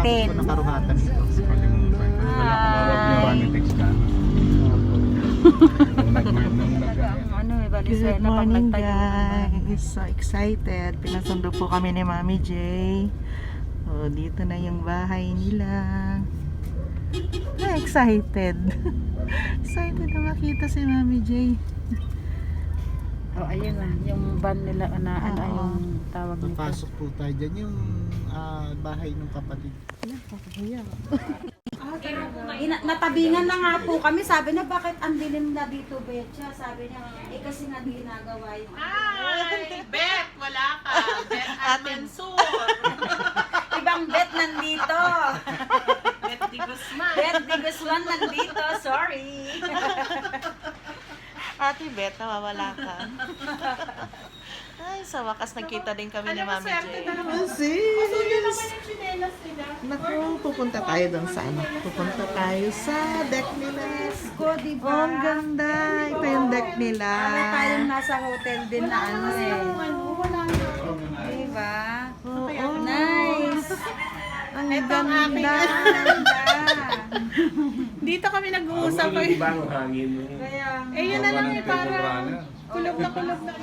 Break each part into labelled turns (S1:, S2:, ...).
S1: natin.
S2: Ako nakaruhatan dito.
S3: Kalimutan ko. Wala ko alam yung Vanitex ka.
S2: Good morning guys. So excited. Pinasundo po kami ni Mami J. Oh, dito na yung bahay nila. Excited. Excited na makita si Mami J.
S1: Oh, ayun na, yung van nila na ano yung tawag nito.
S2: Papasok po tayo dyan yung bahay ng kapatid.
S1: Natabingan na nga po kami. Sabi na, bakit ang dilim na dito, Betcha? Sabi niya, kasi nga di ginagawa yung...
S4: Hi! Bet! Wala ka! Bet at Mansur!
S1: Ibang Bet nandito.
S4: Bet Di Guzman!
S1: Bet Di Guzman nandito. Sorry.
S2: Ate Beth, nawawala ka. Ay, sa wakas nagkita din kami ni Mami J. Sis! Naku, pupunta tayo doon sa ano. Pupunta tayo sa deck nila.
S1: Ko, di
S2: Oh,
S1: ba?
S2: ang ganda. Ito yung deck nila.
S1: Kami tayong nasa hotel din na ano eh. Diba?
S2: Oo.
S1: Nice.
S2: Ang ganda.
S4: Dito kami nag-uusap
S3: Ang
S4: eh.
S3: ibang hangin.
S1: Kaya,
S4: Eh yun na lang eh, parang kulog na kulog na.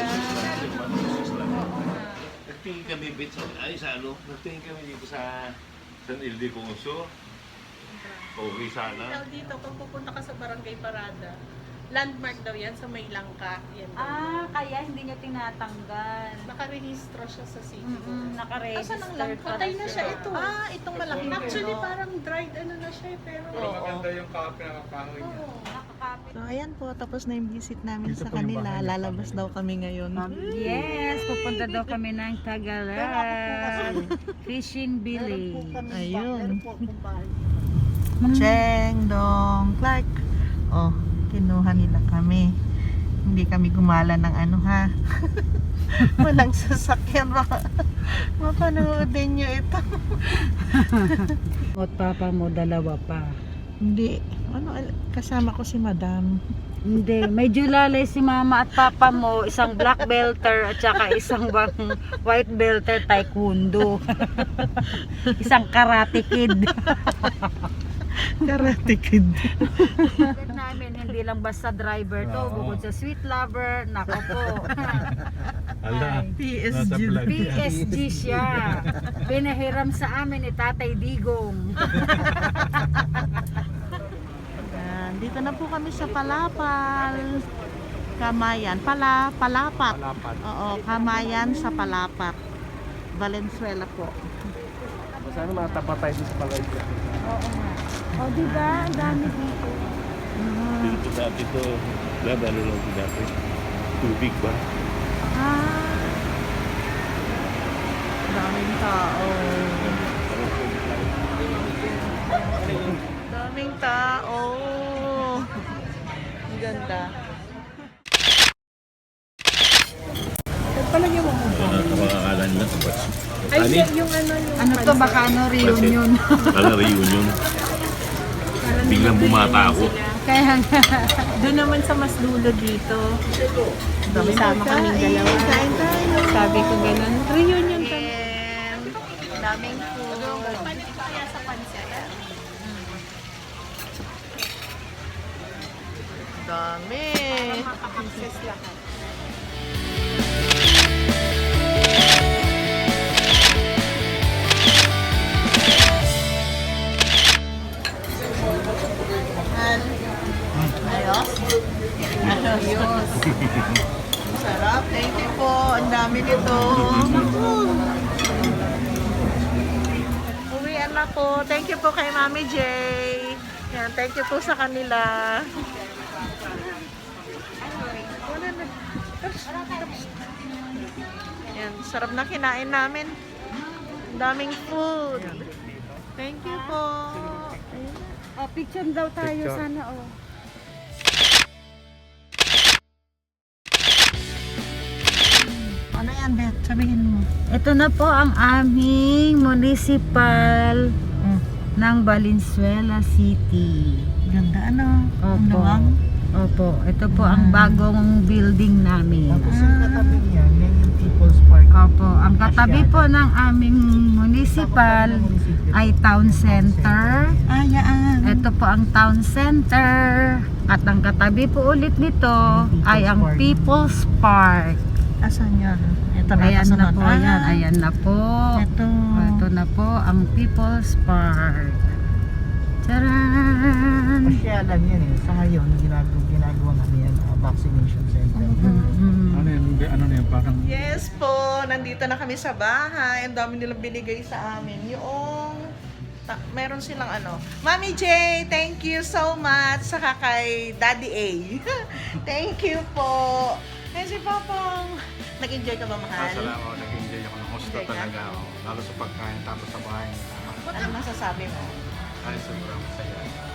S5: Nagtingin kami sa ano, nagtingin kami dito sa San Ildefonso. Okay sana.
S4: Dito, kung pupunta ka sa Barangay Parada, landmark daw yan sa May Langka. Yan daw.
S1: kaya hindi niya tinatanggal.
S4: Nakarehistro siya sa city.
S1: Nakaregister.
S4: Asan ang Langka? Patay na siya ito. Itong malaki. Actually, parang dried ano na siya eh, pero...
S3: Maganda yung pinakakahoy niya.
S1: Nakakapit.
S2: So, ayan po. Tapos na yung visit namin
S3: Dito
S2: sa
S3: po yung
S2: kanila.
S3: bahay ng
S2: Lalabas daw kami ngayon.
S1: Yes, pupunta daw kami ng Tagalog. Fishing Village.
S2: Ayun. Cheng, Dong, Clark. Oh, kinuha nila kami. Hindi kami gumala ng ano ha. Walang sasakyan. Mapanood din nyo ito.
S1: At papa mo, dalawa pa.
S2: Hindi. Ano, kasama ko si Madam.
S1: Hindi, medyo lalay si mama at papa mo, isang black belter at saka isang white belter taekwondo. Isang karate kid.
S2: Karate Kid.
S1: namin, hindi lang basta driver to, bukod sa sweet lover, nako po.
S3: Ala,
S2: PSG.
S3: nasa vlog yan.
S1: PSG siya. Pinahiram sa amin ni Tatay Digong.
S2: Dito na po kami sa Palapal. Kamayan. Palapat. Oo, Kamayan sa Palapat. Valenzuela po.
S3: Sana matapat tayo sa palay.
S1: Oo nga. O diba, ang dami dito.
S5: Dito dati to, ano lang ito dati. Tubig ba?
S2: Daming tao. Daming tao. Ang ganda.
S5: Wala na makakala nila sa batch. Ani?
S1: Ano to, baka ano, reunion.
S5: Kala reunion. Biglang bumata ako.
S1: Kaya nga.
S4: Doon naman sa mas dulo dito. Sama kaming dalawa.
S2: Kain tayo.
S4: Sabi ko ganun, reunion ka.
S2: Daming food.
S4: Kaya sa pansaya.
S2: Dami.
S4: Maka-access lahat.
S2: Ayos? Ayos. Sarap. Thank you po. Ang dami nito. Uwian na po. Thank you po kay Mami J. Yan, thank you po sa kanila. Yan, sarap na kinain namin. Ang daming food. Thank you po.
S1: O, picture daw tayo sana, o.
S2: Ano yan, Beth? Sabihin mo.
S1: Ito na po ang aming municipal ng Valenzuela City.
S2: Ganda ano? Ang
S1: Opo.
S2: luwang.
S1: Opo, ito po ang bagong building namin.
S2: Tapos yung katabi niyan, yan yung People's Park.
S1: Opo, ang katabi po ng aming municipal ay town center.
S2: Yan.
S1: Ito po ang town center. At ang katabi po ulit nito ay ang People's Park.
S2: Asan yan? Ito na,
S1: Ayan na
S2: kasunod.
S1: po yan. Ayan na po.
S2: Ito.
S1: Ito na po ang People's Park. Charan!
S2: Pasyalan yan eh. Sa ngayon, ginagawa namin yan, vaccination center.
S3: Ano yan, parang
S2: Yes po, nandito na kami sa bahay. Ang dami nilang binigay sa amin. Meron silang Mami J, thank you so much. Saka kay Daddy A. Thank you po. Eh si Papang, nag-enjoy ka ba, mahal?
S3: ako, nag-enjoy ako ng gusto
S2: Enjoy ka?
S3: talaga. Lalo sa pagkain, tapos sa bahay.
S2: Ano masasabi mo?
S3: Ay, sobrang masaya.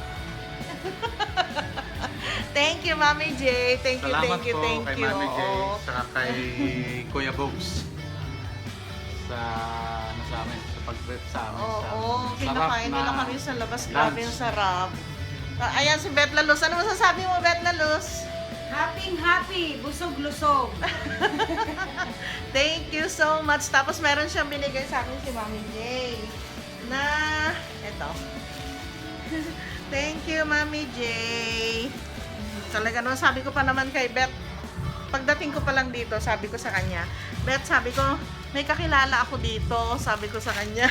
S2: Thank you, Mami J. Thank you,
S3: Salamat
S2: thank you,
S3: po
S2: thank
S3: kay
S2: you.
S3: Mami J,
S2: Oo.
S3: saka kay Kuya Bogs sa sa amin, sa pag-prep sa amin.
S2: Oo,
S3: Sarap
S2: kinakain
S3: na
S2: nila kami sa labas. Grabe
S3: lunch.
S2: yung sarap. Ayan si Bet Laluz. Ano masasabi mo, Bet Laluz?
S1: Happy, busog-lusog.
S2: Thank you so much. Tapos meron siyang binigay sa akin si Mami J. Na, eto. Thank you, Mami J. Talaga naman, sabi ko pa naman kay Beth, pagdating ko pa lang dito, sabi ko sa kanya, Beth, sabi ko, may kakilala ako dito, sabi ko sa kanya.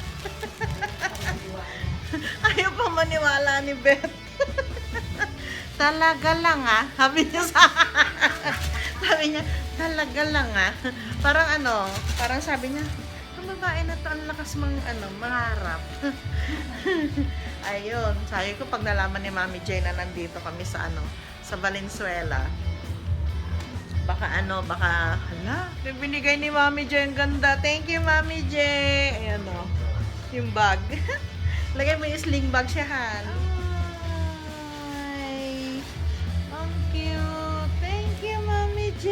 S2: Ayaw pa maniwala ni Beth. Talaga lang sabi niya sabi niya, talaga lang Parang parang sabi niya, ang babae na to, ang lakas mangarap. Ayun, sabi ko pag nalaman ni Mami J na nandito kami sa sa Valenzuela. Baka binigay ni Mami J, ang ganda. Thank you, Mami J. Ayan yung bag. Lagay mo yung sling bag siya, Han. Ay, ang cute. Thank you, Mami J.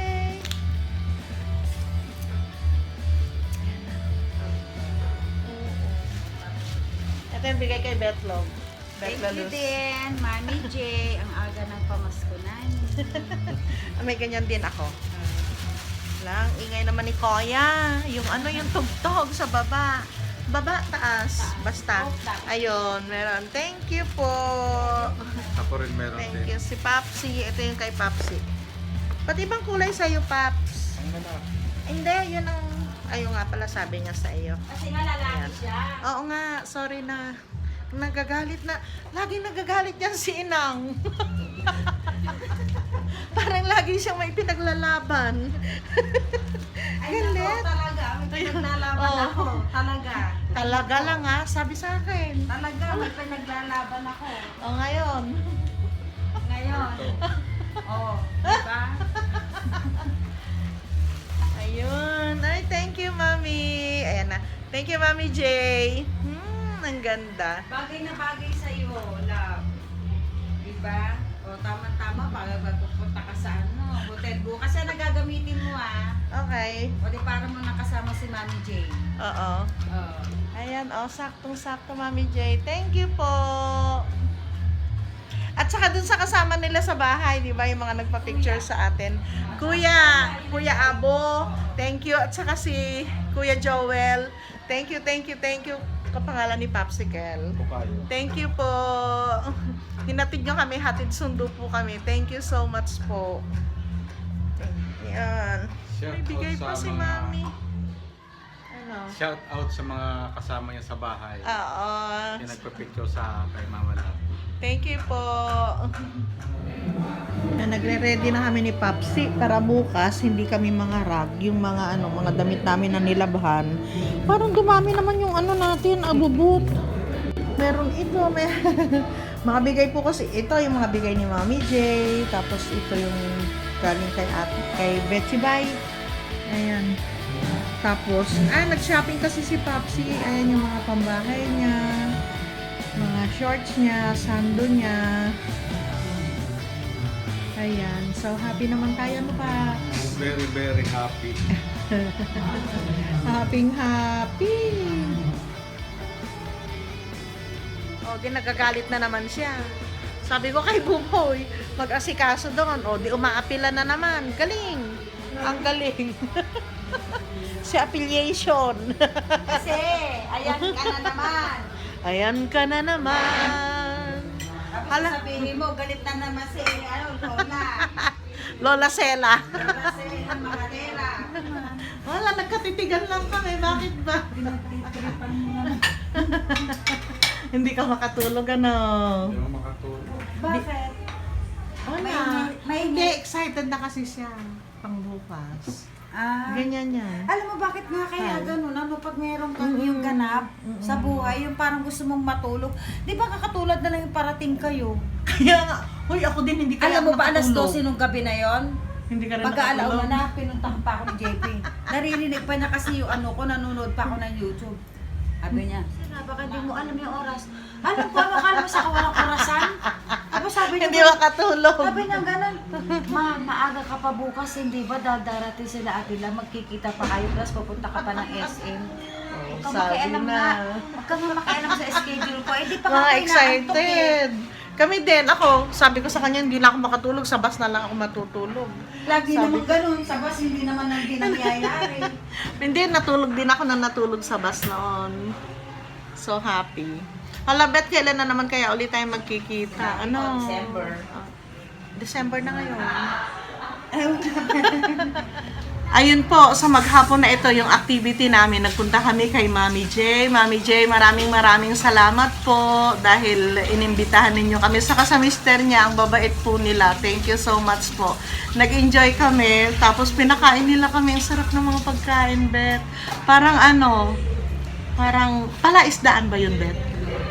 S2: Ito yung bigay kay Betlog.
S1: Thank you din, Mami J. Ang aga ng pamasko namin.
S2: May ganyan din ako. Lang, ingay naman ni Koya. Yung yung tugtog sa baba. Baba, taas. Basta. Ayun, meron. Thank you po.
S3: Ako rin meron
S2: Thank
S3: din.
S2: you. Si Papsi. Ito yung kay Papsi. Pati bang kulay sa'yo, Paps? Hindi, yun ang... Ayun nga pala, sabi niya sa iyo.
S1: Kasi nga lalaki
S2: Ayan.
S1: siya.
S2: Oo nga, sorry na. Nagagalit na. Laging nagagalit yan si Inang. Parang lagi siyang may pinaglalaban.
S1: Ay,
S2: Galit.
S1: nako, talaga. May pinaglalaban
S2: Oo.
S1: ako. Talaga.
S2: Talaga lang sabi sa akin.
S1: Talaga, may pinaglalaban ako.
S2: O ngayon.
S1: Ngayon. Diba?
S2: Ayun. Ay, thank you, Mami. Ayan na. Thank you, Mami J. Ang ganda.
S1: Bagay na bagay sa iyo, love. Diba? O, tama-tama, pagpupunta ka sa hotel bukas na nagagamitin mo
S2: Okay.
S1: O, di para mo nakasama si Mami J.
S2: Oo.
S1: Oh.
S2: Ayan, saktong-sakto, Mami J. Thank you po. At saka dun sa kasama nila sa bahay, di ba, yung mga nagpa-picture sa atin. Kuya Abo, thank you. At saka si Kuya Joel, thank you. Kapangalan ni Popsicle. Thank you po. Hinatid nyo kami, hatid sundo po kami. Thank you so much po. Yan. May bigay pa si Mami.
S3: Shout out sa mga kasama niya sa bahay.
S2: Oo.
S3: Yung nagpa-picture sa kay Mama Love.
S2: Thank you po. Nagre-ready na kami ni Papsi para bukas hindi kami mga rag, yung mga mga damit namin na nilabhan. Parang dumami naman yung natin, abubot. Meron ito, may mga bigay po kasi ito yung mga bigay ni Mami J, tapos ito yung galing kay Betsy Bay. Ayan. Tapos, nag-shopping kasi si Papsi. Ayan yung mga pambahay niya, mga shorts niya, sando niya. Ayan. So, happy naman tayo, pa.
S3: Very, very happy.
S2: Happy. Oh, di nagagalit na naman siya. Sabi ko kay Buboy, mag-asikaso doon. O, di umaapila na naman. Galing. Ang galing. Si affiliation.
S1: Kasi, ayan ka na naman.
S2: Ayan ka na naman.
S1: Tapos sabihin mo, galit na naman si, Lola.
S2: Lola Sela.
S1: Lola si Magadera.
S2: Wala, nagkatitigan lang kami. Bakit ba? Hindi ka makatulog, ano?
S3: Hindi mo makatulog.
S1: Bakit?
S2: Wala.
S1: May-
S2: Hindi, excited na kasi siya. Pang bukas.
S1: Ah.
S2: Ganyan yan.
S1: Alam mo bakit nga kaya
S2: Ay.
S1: ganun? Ano, pag meron kang yung ganap sa buhay, yung parang gusto mong matulog, di ba kakatulad na lang yung parating kayo?
S2: Kaya nga, hoy, ako din hindi kaya
S1: Alam mo ba alas
S2: nakatulog.
S1: 12 nung gabi na yon?
S2: Hindi ka rin
S1: Pag-aalauna
S2: nakatulog.
S1: na, pinuntahan pa ako ni JP. Naririnig pa niya kasi yung ano ko, nanonood pa ako ng YouTube. Sabi niya, Sira, baka di mo alam yung oras. Alam ko, ano kala mo sa kawalang orasan? Tapos sabi niya,
S2: Hindi makatulog.
S1: sabi niya ganun, maaga ka pa bukas, hindi ba darating sila Atila, magkikita pa kayo, plus pupunta ka pa ng SM. Huwag kang
S2: Sabi
S1: makialam
S2: na.
S1: nga. Huwag kang makialam sa schedule ko. Eh, di pa
S2: Mga
S1: nga inaantok eh.
S2: excited. Kami din, ako, sabi ko sa kanya, hindi na ako makatulog, sa bus na lang ako matutulog.
S1: Lagi
S2: Sabi
S1: naman ganun, sa bus hindi naman hindi nangyayari.
S2: Hindi, natulog din ako na natulog sa bus noon. So happy. Hala, Bet, kailan na naman kaya ulit tayo magkikita? Ano?
S1: December.
S2: December na ngayon. Ayun po, sa maghapon na ito yung activity namin. Nagpunta kami kay Mami J. Mami J, maraming salamat po dahil inimbitahan ninyo kami. Saka sa mister niya, ang babait po nila. Thank you so much po. Nag-enjoy kami. Tapos pinakain nila kami. Ang sarap ng mga pagkain, Bet. Parang ano, parang palaisdaan ba yun, Bet?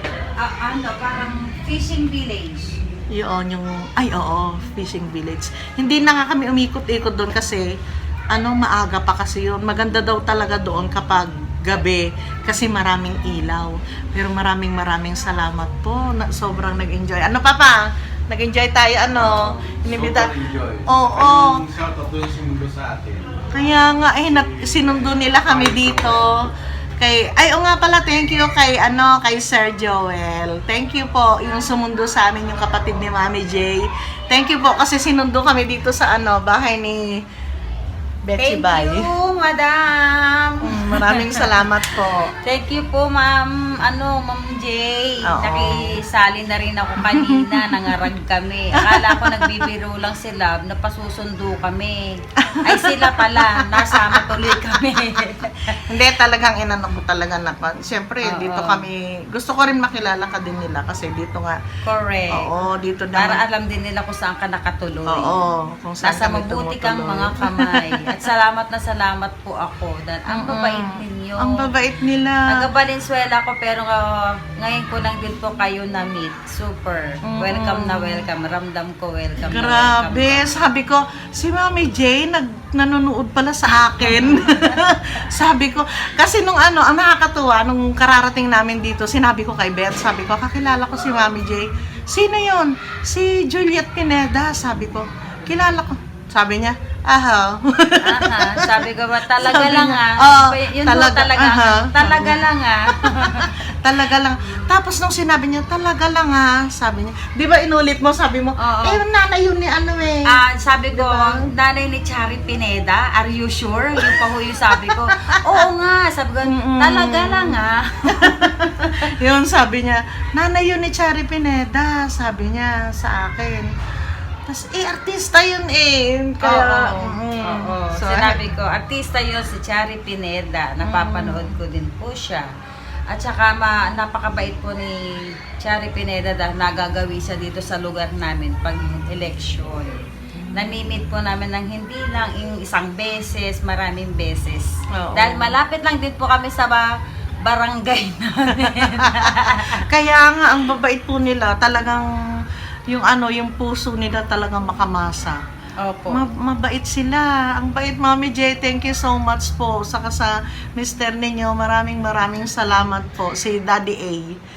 S1: Parang fishing village.
S2: Yun, yung, ay oo, fishing village. Hindi na nga kami umikot-ikot doon kasi, maaga pa kasi yun. Maganda daw talaga doon kapag gabi kasi maraming ilaw. Pero maraming salamat po. Sobrang nag-enjoy. Ano pa? Nag-enjoy tayo, ano? Inimbita.
S3: Super enjoy.
S2: Oo.
S3: Ang shoutout doon sumundo sa atin.
S2: Kaya nga, sinundo nila kami dito. Ay, nga pala, thank you kay Sir Joel. Thank you po, yung sumundo sa amin, yung kapatid ni Mami J. Thank you po, kasi sinundo kami dito sa bahay ni Betsy
S1: Thank
S2: Bay.
S1: you, madam.
S2: Maraming salamat po.
S1: Thank you po, Ma'am J.
S2: Oo.
S1: Nakisali na rin ako kanina, nangarag kami. Akala ko nagbibiro lang sila, napasusundo kami. Ay sila pala, nasama tuloy kami.
S2: Hindi, talagang inano ko talaga na. Siyempre,
S1: Oo.
S2: dito kami, gusto ko rin makilala ka din nila kasi dito nga,
S1: Correct.
S2: oo, dito
S1: Para
S2: naman.
S1: alam din nila kung saan ka nakatuloy.
S2: Oo, kung saan
S1: Nasa
S2: kami
S1: mabuti kang
S2: tumutuloy.
S1: mga kamay. At salamat po ako. Dahil ang babait ninyo.
S2: Ang babait nila.
S1: Taga Valenzuela ko pero ngayon ko lang din po kayo na-meet. Super. Welcome na welcome. Ramdam ko welcome na
S2: Grabe,
S1: welcome.
S2: sabi ko, si Mami J, nanonood pala sa akin. Sabi ko, kasi nung ang nakakatuwa, nung kararating namin dito, sinabi ko kay Beth, sabi ko, kakilala ko si Mami J. Sino yon? Si Juliet Pineda, sabi ko. Kilala ko. Sabi niya, aha.
S1: Sabi ko ba, talaga
S2: Sabi
S1: lang
S2: niya,
S1: Yun
S2: talaga,
S1: talaga.
S2: aha.
S1: Talaga lang
S2: Talaga lang. Tapos nung sinabi niya, talaga lang sabi niya. Di ba inulit mo, sabi mo,
S1: Oo.
S2: nanay yun ni
S1: Sabi ko, nanay ni Chari Pineda, are you sure? Yung pa yung sabi ko. Oo nga, sabi ko, talaga lang
S2: Yun, sabi niya, nanay yun ni Chari Pineda, sabi niya sa akin. Tapos, artista yun Kaya,
S1: Oo.
S2: So,
S1: Sinabi ko, artista yun si Chari Pineda. Napapanood ko din po siya. At saka napakabait po ni Chari Pineda dahil nagagawi siya dito sa lugar namin pag election. Namimit po namin ng hindi lang yung isang beses, maraming beses.
S2: Oo.
S1: Dahil malapit lang din po kami sa barangay namin.
S2: Kaya nga, ang babait po nila, talagang, yung puso nila talagang makamasa.
S1: Opo.
S2: Mabait sila. Ang bait, Mami J. Thank you so much po. Saka sa mister ninyo, maraming salamat po. Si Daddy A.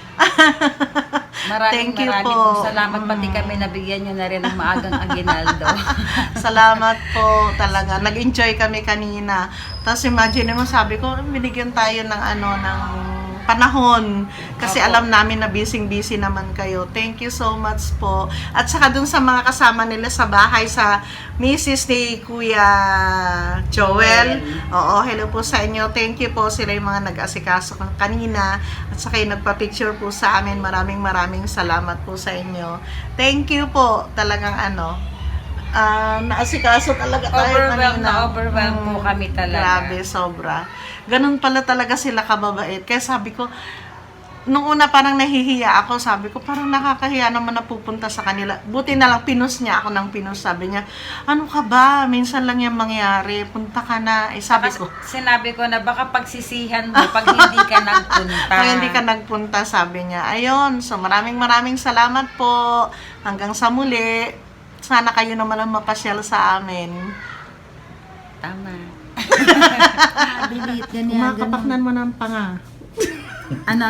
S1: Maraming
S2: Thank you po.
S1: pong salamat. Pati kami nabigyan nyo na rin ng maagang aginaldo.
S2: Salamat po talaga. Nag-enjoy kami kanina. Tapos imagine mo, sabi ko, binigyan tayo ng panahon. Kasi
S1: Opo.
S2: alam namin na busy-busy naman kayo. Thank you so much po. At saka dun sa mga kasama nila sa bahay, sa Mrs. ni Kuya Joel. Oo, hello po sa inyo. Thank you po. Sila yung mga nag-asikaso kanina. At saka yung nagpa-picture po sa amin. Maraming salamat po sa inyo. Thank you po. Talagang naasikaso talaga tayo kanina.
S1: Overwhelmed po kami talaga.
S2: Grabe, sobra. Ganun pala talaga sila kababait. Kaya sabi ko, nung una parang nahihiya ako, sabi ko, parang nakakahiya naman na pupunta sa kanila. Buti na lang, pinus niya ako ng pinus. Sabi niya, ano ka ba? Minsan lang yan mangyari. Punta ka na. Eh, sabi ko,
S1: Sinabi ko na baka pagsisihan mo pag hindi ka nagpunta.
S2: pag hindi ka nagpunta, sabi niya. Ayun, so maraming salamat po. Hanggang sa muli. Sana kayo naman ang mapasyal sa amin.
S1: Tama. Bilit,
S2: Kumakapaknan mo ng panga.
S1: Ano?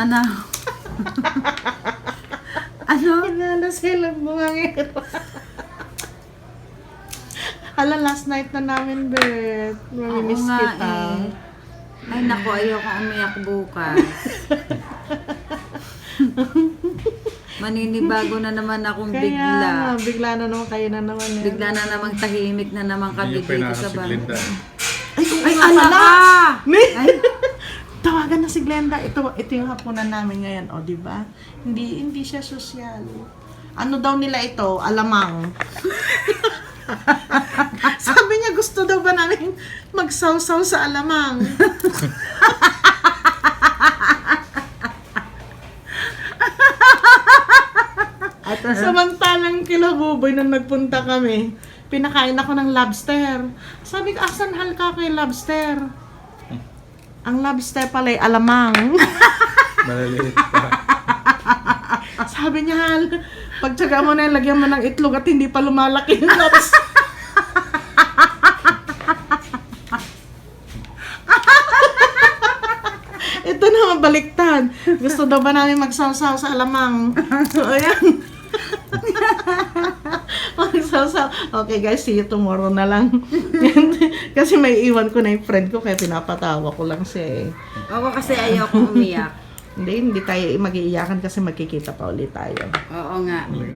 S1: Ano?
S2: Inalaselang bungangero. Hala, last night na namin, Bert. Mamimiss
S1: nga
S2: kita.
S1: Ay, naku, ayoko umiyak bukas. Maninibago na naman akong bigla.
S2: Bigla na naman kayo na naman. Yan.
S1: Bigla na namang tahimik na naman kami
S3: Hindi
S1: dito sa
S3: si
S1: bahay.
S3: Glenda.
S2: Ay,
S1: Ala ka! Ay,
S2: Tawagan na si Glenda. Ito yung hapunan namin ngayon, o, di ba? Hindi siya sosyal. Ano daw nila ito? Alamang. Sabi niya, gusto daw ba namin magsawsaw sa alamang? Samantalang kila Buboy nung nagpunta kami, pinakain ako ng lobster. Sabi ko, asan hal ka kay lobster? Ang lobster pala ay alamang.
S3: Malaliit pa.
S2: Sabi niya, hal, pagtsaga mo na, lagyan mo ng itlog at hindi pa lumalaki yung lobster. Ito na, baliktad. Gusto daw ba namin magsawsaw sa alamang? So, ayan. Magsawsaw. Okay guys, see you tomorrow na lang. Kasi may iwan ko na yung friend ko, kaya pinapatawa ko lang siya eh.
S1: ako kasi ayoko umiyak.
S2: Hindi tayo mag-iiyakan kasi magkikita pa ulit tayo.
S1: Oo nga.